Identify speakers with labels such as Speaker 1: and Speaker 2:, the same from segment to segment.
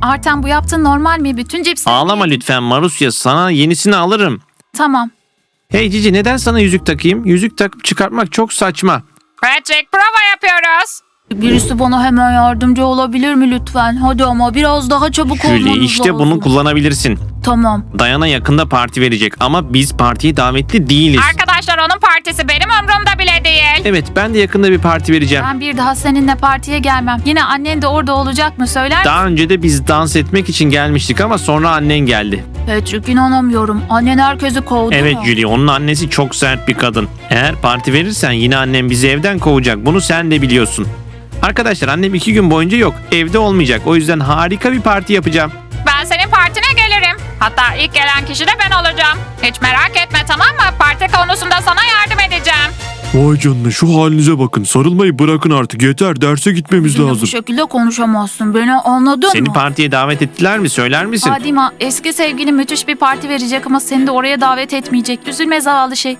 Speaker 1: Artem, bu yaptığın normal mi? Bütün cipsleri...
Speaker 2: Ağlama lütfen Marusya, sana yenisini alırım.
Speaker 1: Tamam.
Speaker 2: Hey Cici, neden sana yüzük takayım? Yüzük takıp çıkartmak çok saçma.
Speaker 3: Patrick, prova yapıyoruz.
Speaker 1: Birisi bana hemen yardımcı olabilir mi lütfen? Hadi ama biraz daha çabuk olmanız
Speaker 2: Julie,
Speaker 1: lazım.
Speaker 2: işte bunu kullanabilirsin.
Speaker 1: Tamam.
Speaker 2: Dayana yakında parti verecek ama biz partiye davetli değiliz.
Speaker 3: Arkadaşlar, onun partisi benim umurumda bile değil.
Speaker 2: Evet, ben de yakında bir parti vereceğim.
Speaker 1: Ben bir daha seninle partiye gelmem. Yine annen de orada olacak mı, söyler misin?
Speaker 2: Daha önce de biz dans etmek için gelmiştik ama sonra annen geldi.
Speaker 1: Patrick, inanamıyorum. Annen herkesi kovdu
Speaker 2: Evet
Speaker 1: mu?
Speaker 2: Julie, onun annesi çok sert bir kadın. Eğer parti verirsen yine annem bizi evden kovacak. Bunu sen de biliyorsun. Arkadaşlar, annem 2 gün boyunca yok. Evde olmayacak. O yüzden harika bir parti yapacağım.
Speaker 3: Ben senin partine gelirim. Hatta ilk gelen kişi de ben olacağım. Hiç merak etme, tamam mı? Parti konusunda sana yardım edeceğim.
Speaker 4: Vay canına, şu halinize bakın. Sarılmayı bırakın artık, yeter, derse gitmemiz
Speaker 1: Bizimle
Speaker 4: lazım.
Speaker 1: bu şekilde konuşamazsın. Beni anladın
Speaker 2: Seni
Speaker 1: mı?
Speaker 2: partiye davet ettiler mi? Söyler misin?
Speaker 1: Adima, eski sevgili müthiş bir parti verecek ama seni de oraya davet etmeyecek. Üzülme zavallı şey.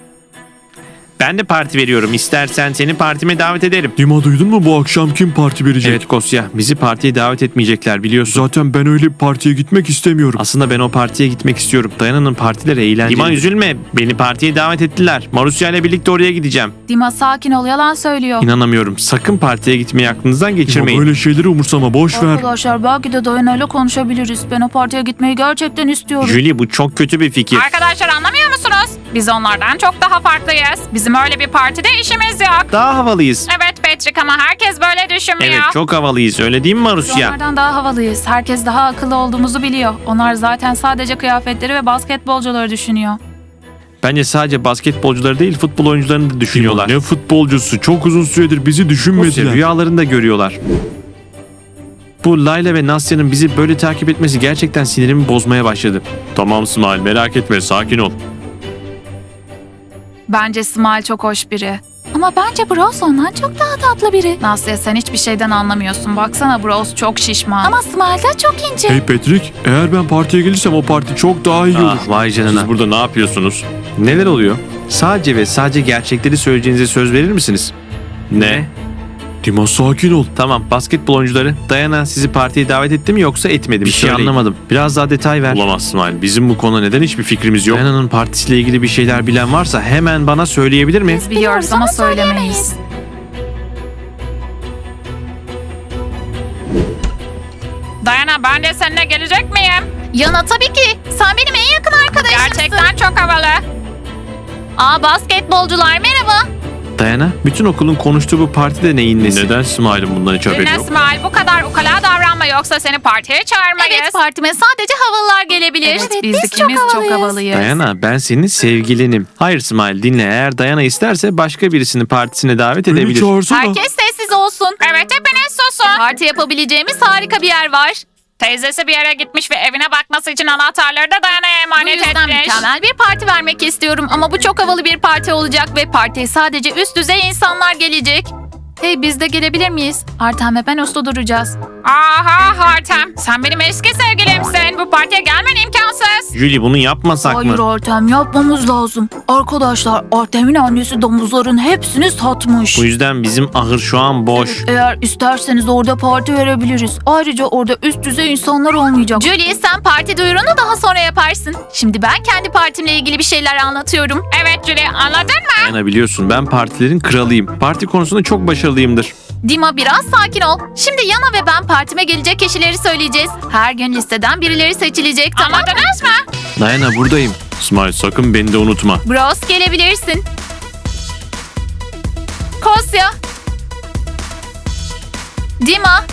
Speaker 2: Ben de parti veriyorum. İstersen seni partime davet ederim.
Speaker 4: Dima, duydun mu, bu akşam kim parti verecek?
Speaker 2: Evet Kosya, bizi partiye davet etmeyecekler biliyorsun.
Speaker 4: Zaten ben öyle bir partiye gitmek istemiyorum.
Speaker 2: Aslında ben o partiye gitmek istiyorum. Dayana'nın partileri eğlenceli. Dima üzülme. Beni partiye davet ettiler. Marusya ile birlikte oraya gideceğim.
Speaker 1: Dima, sakin ol, yalan söylüyor.
Speaker 2: İnanamıyorum. Sakın partiye gitmeyi aklınızdan
Speaker 4: Dima,
Speaker 2: geçirmeyin.
Speaker 4: böyle şeyleri umursama, boş ver.
Speaker 1: Arkadaşlar, belki de Dayana'yla konuşabiliriz. Ben o partiye gitmeyi gerçekten istiyorum.
Speaker 2: Julie, bu çok kötü bir fikir.
Speaker 3: Arkadaşlar, anlamıyor musunuz? Biz onlardan çok daha farklıyız. Bizim öyle bir partide işimiz yok.
Speaker 2: Daha havalıyız.
Speaker 3: Evet Patrick, ama herkes böyle düşünmüyor.
Speaker 2: Evet, çok havalıyız. Öyle değil mi Marusya?
Speaker 1: Onlardan daha havalıyız. Herkes daha akıllı olduğumuzu biliyor. Onlar zaten sadece kıyafetleri ve basketbolcuları düşünüyor.
Speaker 2: Bence sadece basketbolcuları değil, futbol oyuncularını da düşünüyorlar.
Speaker 4: Dima, ne futbolcusu, çok uzun süredir bizi
Speaker 2: Kosya,
Speaker 4: düşünmediler.
Speaker 2: rüyalarında görüyorlar. Bu Layla ve Nasya'nın bizi böyle takip etmesi gerçekten sinirimi bozmaya başladı. Tamam Smile, merak etme, sakin ol.
Speaker 1: Bence Smile çok hoş biri. Ama bence Bros ondan çok daha tatlı biri. Nasya, sen hiçbir şeyden anlamıyorsun. Baksana, Bros çok şişman. Ama Smile de çok ince.
Speaker 4: Hey Patrick, eğer ben partiye gelirsem o parti çok daha iyi olur.
Speaker 2: Ah vay canına. Siz burada ne yapıyorsunuz? Neler oluyor? Sadece ve sadece gerçekleri söyleyeceğinize söz verir misiniz? Ne?
Speaker 4: Dima, sakin ol.
Speaker 2: Tamam, basketbol oyuncuları. Dayana sizi partiye davet etti mi yoksa etmedi mi? Bir şey
Speaker 4: Söyleyin.
Speaker 2: anlamadım. Biraz daha detay ver. Olamaz İsmail. Bizim bu konuda neden hiçbir fikrimiz yok? Dayana'nın partisiyle ilgili bir şeyler bilen varsa hemen bana söyleyebilir mi?
Speaker 1: Biz biliyoruz ama söylemeyiz.
Speaker 3: Dayana, ben de seninle gelecek miyim?
Speaker 1: Yana, tabii ki. Sen benim en yakın arkadaşımsın.
Speaker 3: Gerçekten çok havalı.
Speaker 1: Basketbolcular merhaba.
Speaker 2: Dayana, bütün okulun konuştuğu bu partide neyin nesi? Neden İsmail'in bundan hiç haberi
Speaker 3: Dinle
Speaker 2: yok?
Speaker 3: İsmail, bu kadar ukala davranma, yoksa seni partiye çağırmayız.
Speaker 1: Evet, partime sadece havalılar gelebilir.
Speaker 3: Evet, biz ikimiz çok havalıyız.
Speaker 2: Dayana, ben senin sevgilinim. Hayır İsmail, dinle. Eğer Dayana isterse başka birisini partisine davet
Speaker 4: Beni
Speaker 2: edebilir.
Speaker 4: çağırsana.
Speaker 1: Herkes sessiz olsun.
Speaker 3: Evet, hepiniz susun.
Speaker 1: Parti yapabileceğimiz harika bir yer var.
Speaker 3: Teyzesi bir yere gitmiş ve evine bakması için anahtarları da Dayana'ya
Speaker 1: Bu
Speaker 3: emanet
Speaker 1: yüzden
Speaker 3: etmiş.
Speaker 1: mükemmel bir parti vermek istiyorum ama bu çok havalı bir parti olacak ve partiye sadece üst düzey insanlar gelecek. Hey, biz de gelebilir miyiz? Artem ve ben usta duracağız.
Speaker 3: Aha Artem, sen benim eski sevgilimsin. Bu partiye gelmen imkansız.
Speaker 2: Julie, bunu yapmasak
Speaker 1: Hayır
Speaker 2: mı?
Speaker 1: Artem, yapmamız lazım. Arkadaşlar, Artem'in annesi domuzların hepsini satmış.
Speaker 2: Bu yüzden bizim ahır şu an boş.
Speaker 1: Eğer isterseniz orada parti verebiliriz. Ayrıca orada üst düzey insanlar olmayacak. Julie, sen parti duyurunu daha sonra yaparsın. Şimdi ben kendi partimle ilgili bir şeyler anlatıyorum.
Speaker 3: Evet Julie, anladın mı?
Speaker 2: Dayana, biliyorsun ben partilerin kralıyım. Parti konusunda çok başarılıyımdır.
Speaker 1: Dima, biraz sakin ol. Şimdi Yana ve ben partime gelecek kişileri söyleyeceğiz. Her gün listeden birileri seçilecek, tamam mı?
Speaker 3: Anladınız mı?
Speaker 2: Dayana, buradayım. İsmail, sakın beni de unutma.
Speaker 1: Bros, gelebilirsin. Kosya. Dima.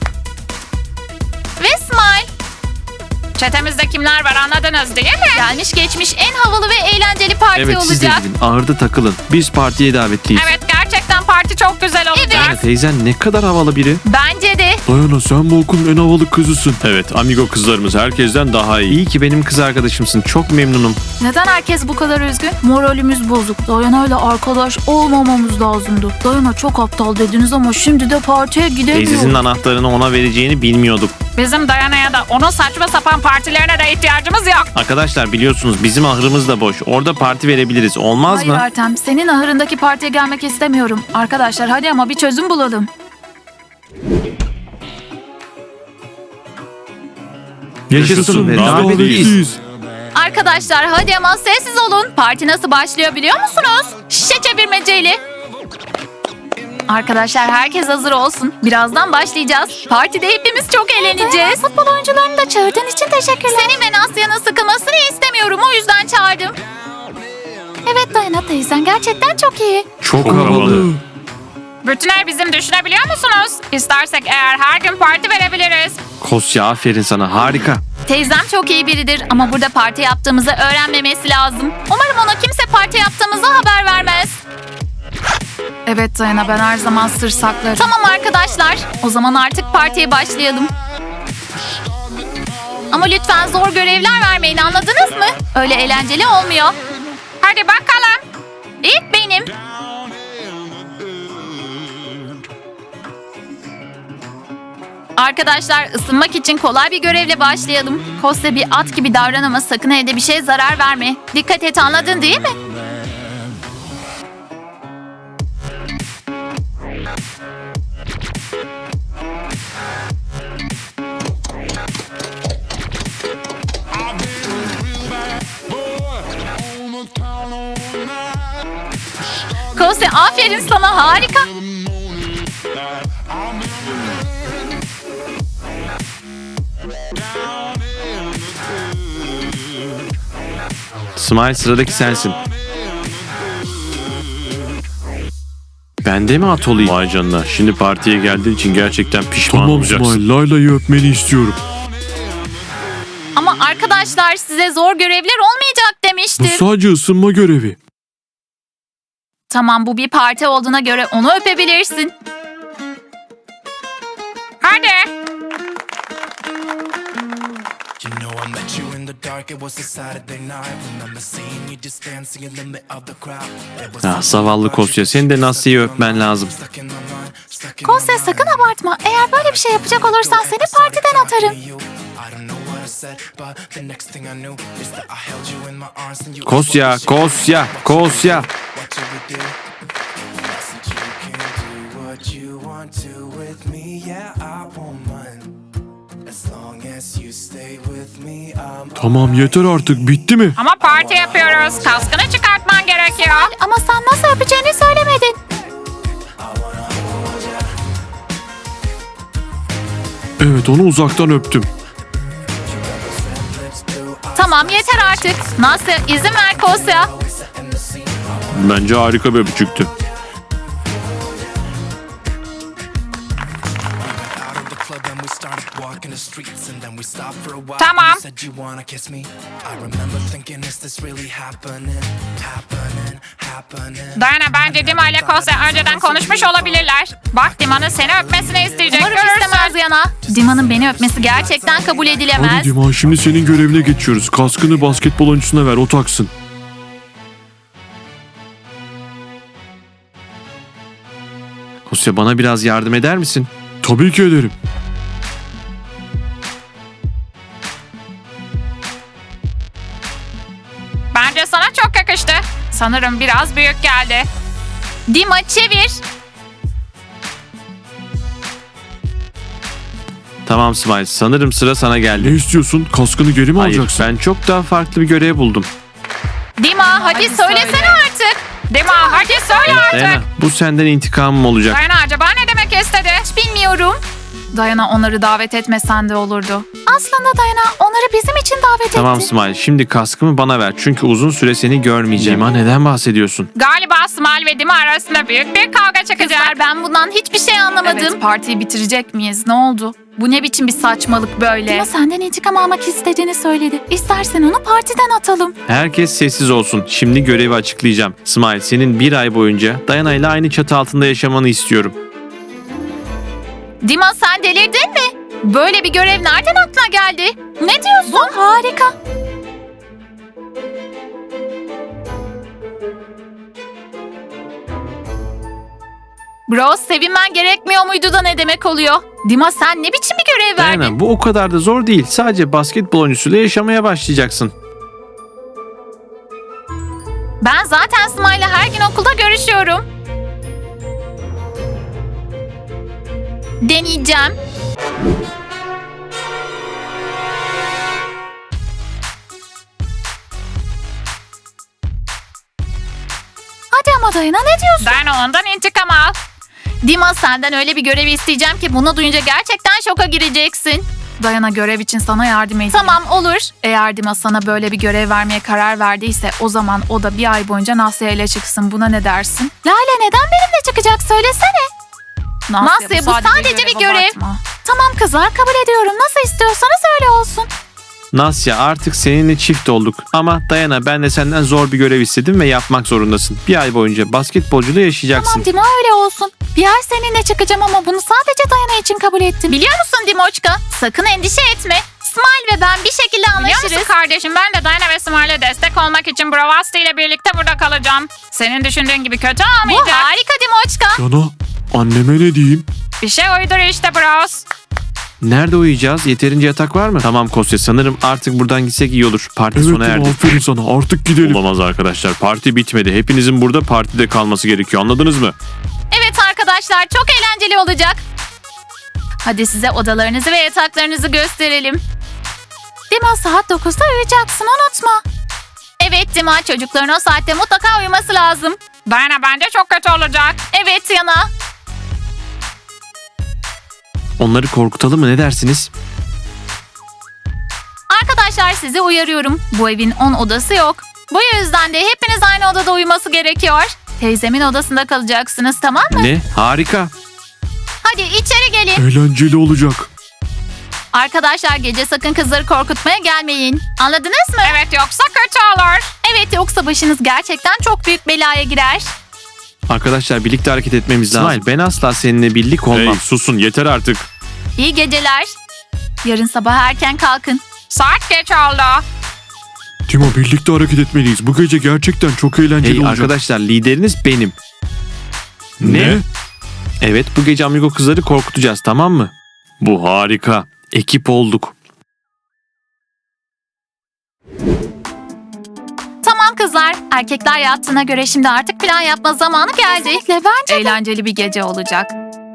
Speaker 1: Ve Smile.
Speaker 3: Çetemizde kimler var anladınız değil mi?
Speaker 1: Gelmiş geçmiş en havalı ve eğlenceli parti
Speaker 2: Evet, siz de
Speaker 1: olacak.
Speaker 2: gidin. Ahırda takılın. Biz partiye davetliyiz.
Speaker 3: Evet, gerçekten parti çok güzel olacak.
Speaker 2: Dayana teyzen ne kadar havalı biri.
Speaker 1: Bence de.
Speaker 4: Dayana, sen bu okulun en havalı kızısın.
Speaker 2: Evet, amigo kızlarımız herkesten daha iyi. İyi ki benim kız arkadaşımsın. Çok memnunum.
Speaker 1: Neden herkes bu kadar üzgün? Moralimiz bozuk. Dayana'yla arkadaş olmamamız lazımdı. Dayana çok aptal dediniz ama şimdi de partiye
Speaker 2: Teyzesinin
Speaker 1: gidemiyoruz.
Speaker 2: anahtarını ona vereceğini bilmiyorduk.
Speaker 3: Bizim Dayana'ya da onun saçma sapan partilerine de ihtiyacımız yok.
Speaker 2: Arkadaşlar, biliyorsunuz bizim ahırımız da boş. Orada parti verebiliriz. Olmaz
Speaker 1: Hayır
Speaker 2: mı?
Speaker 1: Artem, senin ahırındaki partiye gelmek istemiyorum. Arkadaşlar, hadi ama bir çözüm bulalım.
Speaker 2: Yaşasın ve davetliyiz.
Speaker 1: Arkadaşlar hadi ama sessiz olun. Parti nasıl başlıyor biliyor musunuz? Şişe çevirmeceyle. Arkadaşlar herkes hazır olsun. Birazdan başlayacağız. Partide hepimiz çok eğleneceğiz. Futbol oyuncularını da çağırdığın için teşekkürler. Senin ve Nasya'nın sıkılmasını istemiyorum. O yüzden çağırdım. Evet Dayana teyzen gerçekten çok iyi.
Speaker 2: Çok havalı.
Speaker 3: Bütün ev bizim, düşünebiliyor musunuz? İstersek eğer her gün parti verebiliriz.
Speaker 2: Kosya aferin sana, harika.
Speaker 1: Teyzem çok iyi biridir ama burada parti yaptığımızı öğrenmemesi lazım. Umarım ona kimse parti yaptığımızı haber vermez. Evet Dayana, ben her zaman sır saklarım. Tamam arkadaşlar, o zaman artık partiye başlayalım. Ama lütfen zor görevler vermeyin, anladınız mı? Öyle eğlenceli olmuyor.
Speaker 3: Hadi bakalım.
Speaker 1: İlk benim. Arkadaşlar ısınmak için kolay bir görevle başlayalım. Kosya bir at gibi davran ama sakın evde bir şeye zarar verme. Dikkat et, anladın değil mi? Kosya aferin sana, harika.
Speaker 2: Smile, sıradaki sensin. Ben de mi at olayım? Vay canına. Şimdi partiye geldiğin için gerçekten pişman
Speaker 4: Tamam
Speaker 2: olacaksın.
Speaker 4: İsmail, Layla'yı öpmeni istiyorum.
Speaker 1: Ama arkadaşlar size zor görevler olmayacak
Speaker 4: Bu
Speaker 1: demiştim.
Speaker 4: sadece ısınma görevi.
Speaker 1: Tamam, bu bir parti olduğuna göre onu öpebilirsin.
Speaker 3: Hadi.
Speaker 5: You know I met you in the dark, it was a Saturday night. Remember seeing you just dancing in the middle of the crowd. It was
Speaker 2: Ah, zavallı Kosya, senin de Nasya'yı öpmen lazım.
Speaker 5: stuck in my mind, stuck in
Speaker 1: Kosya
Speaker 5: my
Speaker 1: sakın
Speaker 5: mind.
Speaker 1: abartma. Eğer böyle bir şey yapacak olursan seni partiden atarım.
Speaker 5: I don't know what I said, but the next thing I knew is that I held you in my arms and you
Speaker 2: Kosya, Kosya, Kosya.
Speaker 5: What you would do? I said you can do what you want to with me, yeah I won't mind. As long as you stay with me, I'm
Speaker 4: Tamam yeter artık, bitti mi?
Speaker 3: Ama parti yapıyoruz. Kaskını çıkartman gerekiyor.
Speaker 1: Ama sen nasıl öpeceğini söylemedin.
Speaker 4: Evet, onu uzaktan öptüm.
Speaker 1: Tamam yeter artık. Nasıl, izin ver Kosya.
Speaker 2: Bence harika bir öpücüktü.
Speaker 5: out of the club and we started walking the streets and then we stopped for a while.
Speaker 3: Tamam.
Speaker 5: You said you wanna kiss me. I remember thinking, is this really happening? Happening.
Speaker 3: Dayana, bence Dima ile Kosya önceden konuşmuş olabilirler. Bak, Dima'nın seni öpmesini isteyecek.
Speaker 1: Umarım
Speaker 3: Görürsün.
Speaker 1: istemez Yana. Dima'nın beni öpmesi gerçekten kabul edilemez.
Speaker 4: Hadi Diman, şimdi senin görevine geçiyoruz. Kaskını basketbol oyuncusuna ver, o taksın.
Speaker 2: Kosya, bana biraz yardım eder misin?
Speaker 4: Tabii ki ederim.
Speaker 3: Bence sana çok yakıştı. Sanırım biraz büyük geldi.
Speaker 1: Dima çevir.
Speaker 2: Tamam Smile, sanırım sıra sana
Speaker 4: Ne
Speaker 2: geldi.
Speaker 4: istiyorsun? Kaskını geri mi
Speaker 2: Hayır,
Speaker 4: alacaksın?
Speaker 2: ben çok daha farklı bir görev buldum.
Speaker 1: Dima hadi söylesene artık.
Speaker 3: Dima, hadi söyle artık.
Speaker 2: Dayana, bu senden intikamım olacak.
Speaker 3: Dayana, acaba ne demek istedi?
Speaker 1: Bilmiyorum. Dayana, onları davet etmesen de olurdu. Aslında Dayana onları bizim için davet
Speaker 2: Tamam
Speaker 1: etti.
Speaker 2: Smile, şimdi kaskımı bana ver. Çünkü uzun süre seni görmeyeceğim. Dima, neden bahsediyorsun?
Speaker 3: Galiba Smile ve Dima arasında büyük bir kavga çıkacak.
Speaker 1: Kızlar, ben bundan hiçbir şey anlamadım.
Speaker 6: Evet, partiyi bitirecek miyiz? Ne oldu? Bu ne biçim bir saçmalık böyle?
Speaker 1: Dima senden intikam almak istediğini söyledi. İstersen onu partiden atalım.
Speaker 2: Herkes sessiz olsun. Şimdi görevi açıklayacağım. Smile, senin bir ay boyunca Dayana ile aynı çatı altında yaşamanı istiyorum.
Speaker 1: Dima sen delirdin mi? Böyle bir görev nereden aklına geldi? Ne diyorsun? Bu harika. Bro, sevinmen gerekmiyor muydu da ne demek oluyor? Dima sen ne biçim bir görev verdin?
Speaker 2: Dayana, bu o kadar da zor değil. Sadece basketbol oyuncusuyla yaşamaya başlayacaksın.
Speaker 1: Ben zaten Smile'la her gün okulda görüşüyorum. Deneyeceğim.
Speaker 6: Saçmalama Dayana, ne diyorsun?
Speaker 3: Dayana ondan intikam al.
Speaker 1: Dima, senden öyle bir görev isteyeceğim ki bunu duyunca gerçekten şoka gireceksin.
Speaker 6: Dayana, görev için sana yardım edeyim.
Speaker 1: Tamam, olur.
Speaker 6: Eğer Dima sana böyle bir görev vermeye karar verdiyse o zaman o da bir ay boyunca Nasya ile çıksın. Buna ne dersin?
Speaker 1: Lale neden benimle çıkacak söylesene. Nasya, bu sadece bir görev.
Speaker 6: abartma.
Speaker 1: Tamam kızlar, kabul ediyorum. Nasıl istiyorsanız öyle olsun.
Speaker 2: Nasya, artık seninle çift olduk. Ama Dayana, ben de senden zor bir görev istedim ve yapmak zorundasın. Bir ay boyunca basketbolcuyla yaşayacaksın.
Speaker 1: Tamam Dima, öyle olsun. Bir ay seninle çıkacağım ama bunu sadece Dayana için kabul ettim. Biliyor musun Dimoçka? Sakın endişe etme. Smile ve ben bir şekilde
Speaker 3: Biliyor
Speaker 1: anlaşırız.
Speaker 3: musun kardeşim, ben de Dayana ve Smile'e destek olmak için Bravasti ile birlikte burada kalacağım. Senin düşündüğün gibi kötü
Speaker 1: Bu
Speaker 3: olmayacak.
Speaker 1: harika Dimoçka.
Speaker 4: Yana, anneme ne diyeyim?
Speaker 3: Bir şey uydur işte Bros.
Speaker 2: Nerede uyuyacağız? Yeterince yatak var mı? Tamam Kosya, sanırım artık buradan gitsek iyi olur. Parti
Speaker 4: Evet
Speaker 2: sona
Speaker 4: Dima,
Speaker 2: erdi.
Speaker 4: aferin sana, artık gidelim.
Speaker 2: Olamaz arkadaşlar, parti bitmedi. Hepinizin burada partide kalması gerekiyor, anladınız mı?
Speaker 1: Evet arkadaşlar, çok eğlenceli olacak. Hadi size odalarınızı ve yataklarınızı gösterelim.
Speaker 6: Dima, saat 9'da uyuyacaksın, unutma.
Speaker 1: Evet Dima, çocukların o saatte mutlaka uyuması lazım.
Speaker 3: Dayana, bence çok kötü olacak.
Speaker 1: Evet Yana.
Speaker 2: Onları korkutalım mı, ne dersiniz?
Speaker 1: Arkadaşlar, sizi uyarıyorum. Bu evin 10 odası yok. Bu yüzden de hepiniz aynı odada uyuması gerekiyor. Teyzemin odasında kalacaksınız, tamam mı?
Speaker 2: Ne? Harika.
Speaker 1: Hadi içeri gelin.
Speaker 4: Eğlenceli olacak.
Speaker 1: Arkadaşlar, gece sakın kızları korkutmaya gelmeyin. Anladınız mı?
Speaker 3: Evet, yoksa kötü olur.
Speaker 1: Evet, yoksa başınız gerçekten çok büyük belaya girer.
Speaker 2: Arkadaşlar, birlikte hareket etmemiz lazım. İsmail, ben asla seninle birlik olmam.
Speaker 4: Hey, susun yeter artık.
Speaker 1: İyi geceler. Yarın sabah erken kalkın.
Speaker 3: Saat geç oldu.
Speaker 4: Dima, birlikte hareket etmeliyiz. Bu gece gerçekten çok eğlenceli
Speaker 2: Hey
Speaker 4: olacak.
Speaker 2: arkadaşlar, lideriniz benim.
Speaker 4: Ne?
Speaker 2: Evet, bu gece amigo kızları korkutacağız, tamam mı? Bu harika. Ekip olduk.
Speaker 1: Tamam kızlar, erkekler yattığına göre şimdi artık plan yapma zamanı geldi.
Speaker 6: Kesinlikle, bence de.
Speaker 1: Eğlenceli bir gece olacak.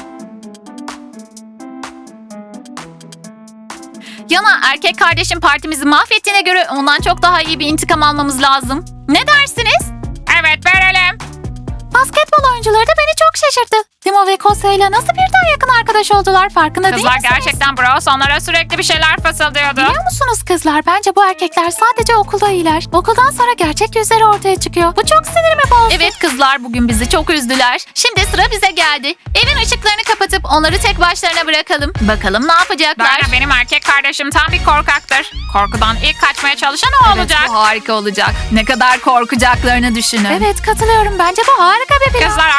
Speaker 1: Yana, erkek kardeşim partimizi mahvettiğine göre ondan çok daha iyi bir intikam almamız lazım. Ne dersiniz?
Speaker 3: Evet, verelim.
Speaker 6: Basketbol oyuncuları da beni çok şaşırttı. Dima ve Kosya ile nasıl birden yakın arkadaş oldular, farkında değil
Speaker 3: Kızlar
Speaker 6: misiniz?
Speaker 3: gerçekten Bros onlara sürekli bir şeyler fısıldıyordu.
Speaker 6: Biliyor musunuz kızlar, bence bu erkekler sadece okulda iyiler. Okuldan sonra gerçek yüzleri ortaya çıkıyor. Bu çok sinirimi bozdu.
Speaker 1: Evet kızlar, bugün bizi çok üzdüler. Şimdi sıra bize geldi. Evin ışıklarını kapatıp onları tek başlarına bırakalım. Bakalım ne yapacaklar?
Speaker 3: Dayana, benim erkek kardeşim tam bir korkaktır. Korkudan ilk kaçmaya çalışan o
Speaker 1: Evet,
Speaker 3: olacak.
Speaker 1: bu harika olacak. Ne kadar korkacaklarını düşünün.
Speaker 6: Evet, katılıyorum. Bence bu harika bir plan.
Speaker 3: Kızlar